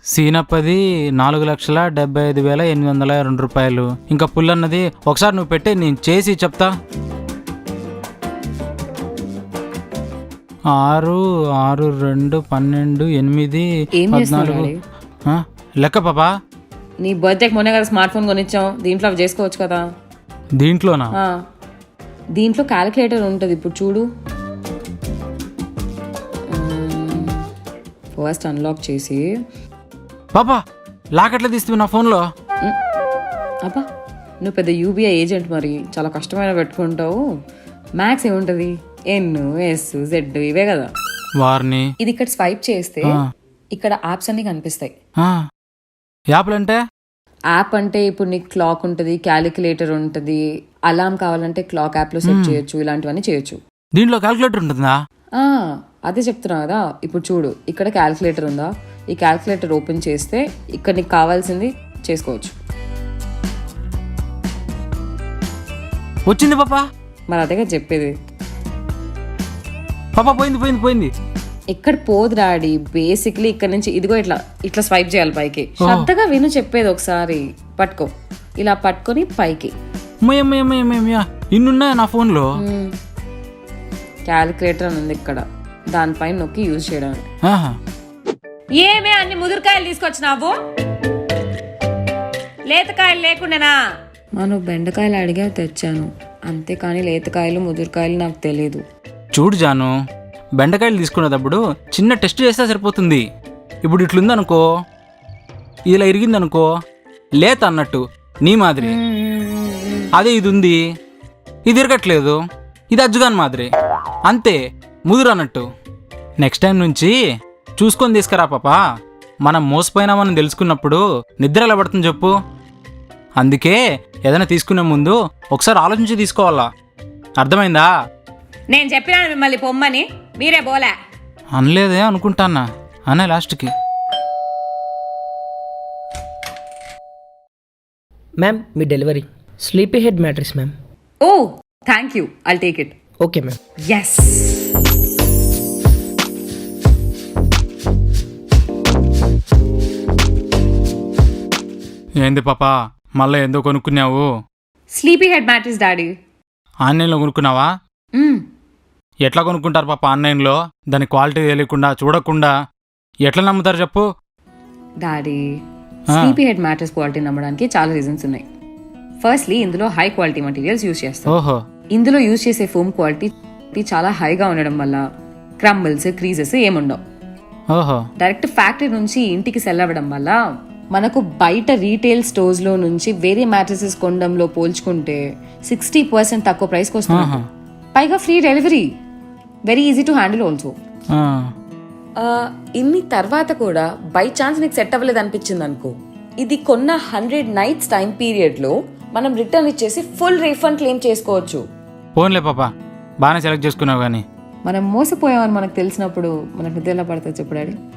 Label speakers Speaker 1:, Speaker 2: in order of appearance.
Speaker 1: సీనప్పది 4,75,802 రూపాయలు. ఇంకా పుల్లన్నది ఒకసారి నువ్వు పెట్టే నేను చేసి చెప్తా. 6, 6, 2, 12, 8,
Speaker 2: ఏం
Speaker 1: 14 లెక్క పాపా.
Speaker 2: నీ బర్త్డేకి మొన్న కదా స్మార్ట్ ఫోన్ కొనిచ్చాం, దీంట్లో అవి చేసుకోవచ్చు కదా.
Speaker 1: దీంట్లోనా?
Speaker 2: దీంట్లో క్యాలిక్యులేటర్ ఉంటుంది, ఇప్పుడు చూడు. ఫస్ట్ అన్లాక్ చేసి
Speaker 1: పాపా లాక్ ఎట్లా తీస్తుంది నా ఫోన్లో?
Speaker 2: అబ్బా నువ్వు పెద్ద యూబీఐ ఏజెంట్, మరి చాలా కష్టమైన పెట్టుకుంటావు. మ్యాక్స్ ఏముంటుంది, ఎన్, ఎస్, జెడ్ ఇవే కదా.
Speaker 1: వారిని
Speaker 2: ఇది ఇక్కడ స్వైప్ చేస్తే ఇక్కడ యాప్స్ అన్ని కనిపిస్తాయి.
Speaker 1: యాప్లు అంటే?
Speaker 2: యాప్ అంటే ఇప్పుడు నీకు క్లాక్ ఉంటుంది, క్యాలిక్యులేటర్ ఉంటుంది, అలారం కావాలంటే క్లాక్ యాప్లో సెట్ చేయొచ్చు, ఇలాంటివన్నీ చేయొచ్చు.
Speaker 1: దీంట్లో క్యాలిక్యులేటర్ ఉంటుందా?
Speaker 2: అదే చెప్తున్నా కదా. ఇప్పుడు చూడు, ఇక్కడ క్యాలిక్యులేటర్ ఉందా, ఈ క్యాలిక్యులేటర్ ఓపెన్ చేస్తే ఇక్కడ నీకు కావాల్సింది చేసుకోవచ్చు.
Speaker 1: వచ్చింది పాపా.
Speaker 2: మరి అదేగా చెప్పేది.
Speaker 1: పాపా పోయింది పోయింది పోయింది.
Speaker 2: ఎక్కడ పోదు డాడీ, బేసిక్లీ ఇక్కడ నుంచి ఇదిగో ఇట్లా ఇట్లా స్వైప్ చేయాలి పైకి. శ్రద్ధగా విను చెప్పేది, ఒకసారి పట్టుకో, ఇలా పట్టుకొని పైకి.
Speaker 1: ఇన్నున్నాయా నా ఫోన్లో?
Speaker 2: క్యాలిక్యులేటర్ అని ఉంది ఇక్కడ, దానిపైన నొక్కి యూజ్ చేయడానికి. ఏమే అన్ని ముదురుకాయలు తీసుకొచ్చినావు, లేతకాయలు లేకుండానా? మనం బెండకాయలు అడిగా తెచ్చాను, అంతేకాని లేతకాయలు ముదురుకాయలు నాకు తెలియదు.
Speaker 1: చూడు జాను, బెండకాయలు తీసుకునేటప్పుడు చిన్న టెస్ట్ చేస్తే సరిపోతుంది. ఇప్పుడు ఇట్లుందనుకో, ఇలా ఇరిగిందనుకో, లేత అన్నట్టు నీ మాదిరి. అదే ఇది ఉంది, ఇది ఇరగట్లేదు, ఇది అజ్జుగాని మాదిరి, అంతే ముదురు అన్నట్టు. నెక్స్ట్ టైం నుంచి చూసుకొని తీసుకురా పాపా. మనం మోసపోయినామని తెలుసుకున్నప్పుడు నిద్ర ఎలా పడుతుంది చెప్పు. అందుకే ఏదైనా తీసుకునే ముందు ఒకసారి ఆలోచించి తీసుకోవాలా, అర్థమైందా?
Speaker 2: నేను చెప్పినాను మిమ్మల్ని పొమ్మని, మీరే పోలే.
Speaker 1: అనలేదే అనుకుంటానా అనే లాస్ట్కి.
Speaker 3: మ్యామ్ మీ delivery sleepy head matrix ma'am.
Speaker 2: Oh thank you, I'll take it.
Speaker 3: Okay ma'am.
Speaker 2: Yes.
Speaker 1: ఏంది పాపా మళ్ళీ ఎందుకు కొనుక్కున్నావు?
Speaker 2: Sleepy head matrix daddy.
Speaker 1: ఆన్లైన్లో కొనుక్కున్నావా? ఎట్లా కొనుక్కుంటారు పాప ఆన్లైన్లో? దాని క్వాలిటీ తెలియకుండా చూడకుండా ఎట్లా నమ్ముతారు చెప్పు?
Speaker 2: Daddy sleepy head matrix quality నమ్మడానికి చాలా రీజన్స్ ఉన్నాయి. ఫస్ట్లీ ఇందులో హై క్వాలిటీ మెటీరియల్స్ యూజ్ చేస్తాం.
Speaker 1: ఓహో.
Speaker 2: ఇందులో యూజ్ చేసే ఫోమ్ క్వాలిటీ చాలా హైగా ఉండడం వల్ల క్రంబుల్స్, క్రీజెస్ ఏముండవు.
Speaker 1: ఓహో.
Speaker 2: డైరెక్ట్ ఫ్యాక్టరీ నుంచి ఇంటికి సెల్ అవ్వడం వల్ల మనకు బయట రీటైల్ స్టోర్స్ లో నుంచి వేరే మ్యాట్రిసెస్ కొనడంలో పోల్చుకుంటే 60% తక్కువ ప్రైస్కి వస్తుంది. పైగా free delivery, very easy to handle also. ఇన్ని తర్వాత కూడా బై ఛాన్స్ నీకు సెట్ అవ్వలేదు అనిపించింది అనుకో, ఇది కొన్న 100 nights టైం పీరియడ్ లో మనం రిటర్న్ ఇచ్చేసి ఫుల్ రీఫండ్ క్లెయిమ్ చేసుకోవచ్చు.
Speaker 1: ఫోన్లే పాపా, బాగానే సెలెక్ట్ చేసుకున్నావు కానీ.
Speaker 2: మనం మోసపోయామని మనకు తెలిసినప్పుడు మనకు నిద్ర ఎలా పడుతుంది చెప్పు డాడీ?